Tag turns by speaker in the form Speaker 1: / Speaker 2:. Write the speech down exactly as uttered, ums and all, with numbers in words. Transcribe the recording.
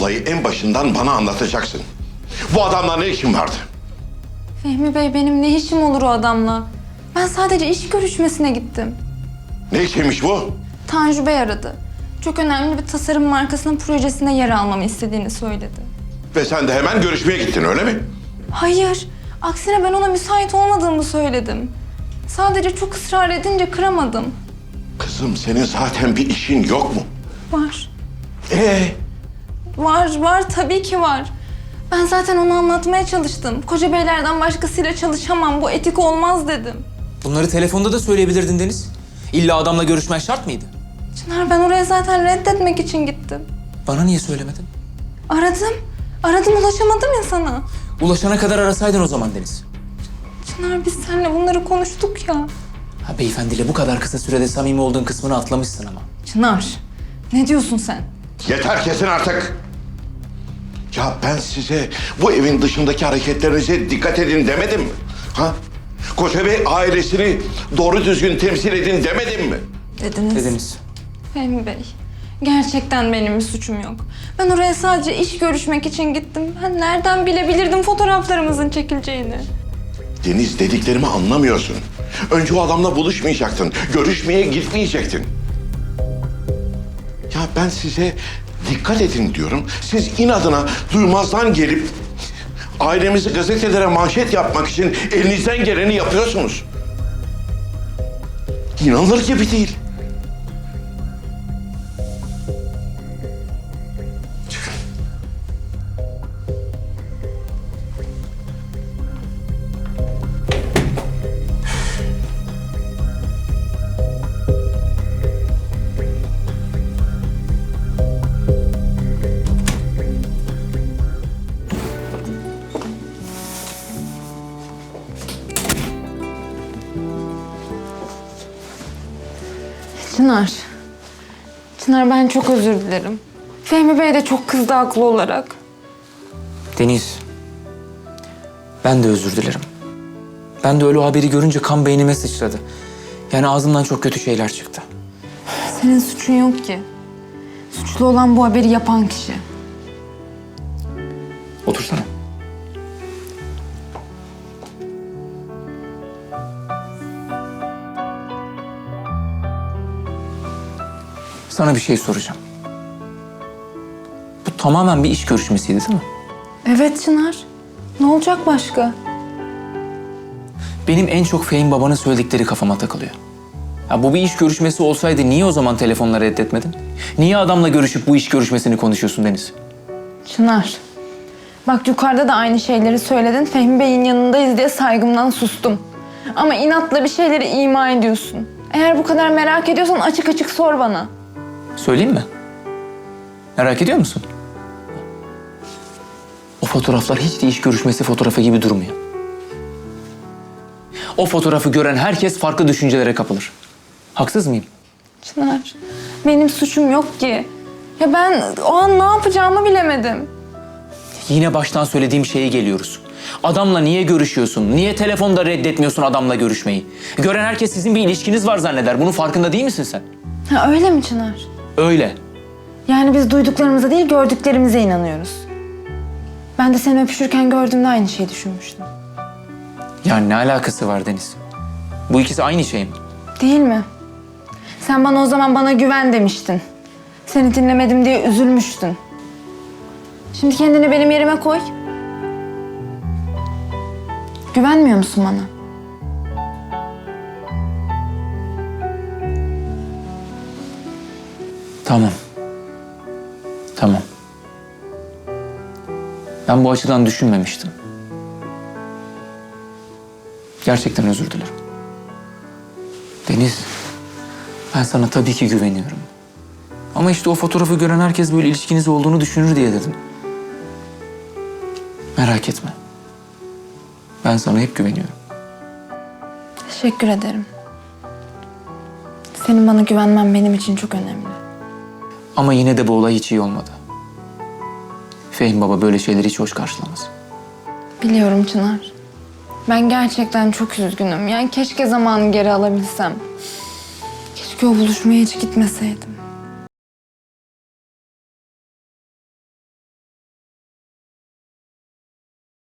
Speaker 1: olayı en başından bana anlatacaksın. Bu adamla ne işin vardı?
Speaker 2: Fehmi Bey, benim ne işim olur o adamla? Ben sadece iş görüşmesine gittim.
Speaker 1: Ne işiymiş bu?
Speaker 2: Tanju Bey aradı. Çok önemli bir tasarım markasının projesinde yer almamı istediğini söyledi.
Speaker 1: Ve sen de hemen görüşmeye gittin, öyle mi?
Speaker 2: Hayır, aksine ben ona müsait olmadığımı söyledim. Sadece çok ısrar edince kıramadım.
Speaker 1: Kızım, senin zaten bir işin yok mu?
Speaker 2: Var,
Speaker 1: Ee,
Speaker 2: var, var tabii ki var. Ben zaten onu anlatmaya çalıştım. Koca beylerden başkasıyla çalışamam, bu etik olmaz dedim.
Speaker 3: Bunları telefonda da söyleyebilirdin Deniz. İlla adamla görüşmen şart mıydı?
Speaker 2: Çınar, ben oraya zaten reddetmek için gittim.
Speaker 3: Bana niye söylemedin?
Speaker 2: Aradım, aradım ulaşamadım ya sana.
Speaker 3: Ulaşana kadar arasaydın o zaman Deniz.
Speaker 2: Çınar, biz seninle bunları konuştuk ya.
Speaker 3: Ha, beyefendiyle bu kadar kısa sürede samimi olduğun kısmını atlamışsın ama.
Speaker 2: Çınar, ne diyorsun sen?
Speaker 1: yeter kesin artık. Ya ben size bu evin dışındaki hareketlerinize dikkat edin demedim mi? Ha? Koca Bey ailesini doğru düzgün temsil edin demedim mi?
Speaker 2: Dediniz.
Speaker 3: Dediniz.
Speaker 2: Fehmi Bey, gerçekten benim bir suçum yok. Ben oraya sadece iş görüşmek için gittim. Ben nereden bilebilirdim fotoğraflarımızın çekileceğini?
Speaker 1: Deniz, dediklerimi anlamıyorsun. Önce o adamla buluşmayacaktın, görüşmeye gitmeyecektin. Ya ben size dikkat edin diyorum. Siz inadına duymazdan gelip ailemizi gazetelere manşet yapmak için elinizden geleni yapıyorsunuz. İnanılır gibi değil. Çıkın.
Speaker 2: Çınar. Çınar, ben çok özür dilerim. Fehmi Bey de çok kızdı haklı olarak.
Speaker 3: Deniz. Ben de özür dilerim. Ben de öyle o haberi görünce kan beynime sıçradı. Yani ağzımdan çok kötü şeyler çıktı.
Speaker 2: Senin suçun yok ki. Suçlu olan bu haberi yapan kişi.
Speaker 3: Otursana. Sana bir şey soracağım. Bu tamamen bir iş görüşmesiydi değil mi?
Speaker 2: Evet Çınar. Ne olacak başka?
Speaker 3: Benim en çok Fehim babanın söyledikleri kafama takılıyor. Ya bu bir iş görüşmesi olsaydı niye o zaman telefonla reddetmedin? Niye adamla görüşüp bu iş görüşmesini konuşuyorsun Deniz?
Speaker 2: Çınar. Bak, yukarıda da aynı şeyleri söyledin. Fehmi Bey'in yanındayız diye saygımdan sustum. Ama inatla bir şeyleri ima ediyorsun. Eğer bu kadar merak ediyorsan açık açık sor bana.
Speaker 3: Söyleyeyim mi? Merak ediyor musun? O fotoğraflar hiç de iş görüşmesi fotoğrafı gibi durmuyor. O fotoğrafı gören herkes farklı düşüncelere kapılır. Haksız mıyım?
Speaker 2: Çınar, benim suçum yok ki. Ya ben o an ne yapacağımı bilemedim.
Speaker 3: Yine baştan söylediğim şeye geliyoruz. Adamla niye görüşüyorsun? Niye telefonda reddetmiyorsun adamla görüşmeyi? Gören herkes sizin bir ilişkiniz var zanneder. Bunun farkında değil misin sen?
Speaker 2: Ha, öyle mi Çınar?
Speaker 3: Öyle.
Speaker 2: Yani biz duyduklarımıza değil gördüklerimize inanıyoruz. Ben de seni öpüşürken gördüğümde aynı şeyi düşünmüştüm.
Speaker 3: Yani ne alakası var Deniz? Bu ikisi aynı şey mi?
Speaker 2: Değil mi? Sen bana o zaman bana güven demiştin. Seni dinlemedim diye üzülmüştün. Şimdi kendini benim yerime koy. Güvenmiyor musun bana?
Speaker 3: Tamam. Tamam. Ben bu açıdan düşünmemiştim. Gerçekten özür dilerim. Deniz, ben sana tabii ki güveniyorum. Ama işte o fotoğrafı gören herkes böyle ilişkiniz olduğunu düşünür diye dedim. Merak etme. Ben sana hep güveniyorum.
Speaker 2: Teşekkür ederim. Senin bana güvenmen benim için çok önemli.
Speaker 3: Ama yine de bu olay hiç iyi olmadı. Fehim baba böyle şeyleri hiç hoş karşılamaz.
Speaker 2: Biliyorum Çınar. Ben gerçekten çok üzgünüm. Yani keşke zamanı geri alabilsem. Keşke o buluşmaya hiç gitmeseydim.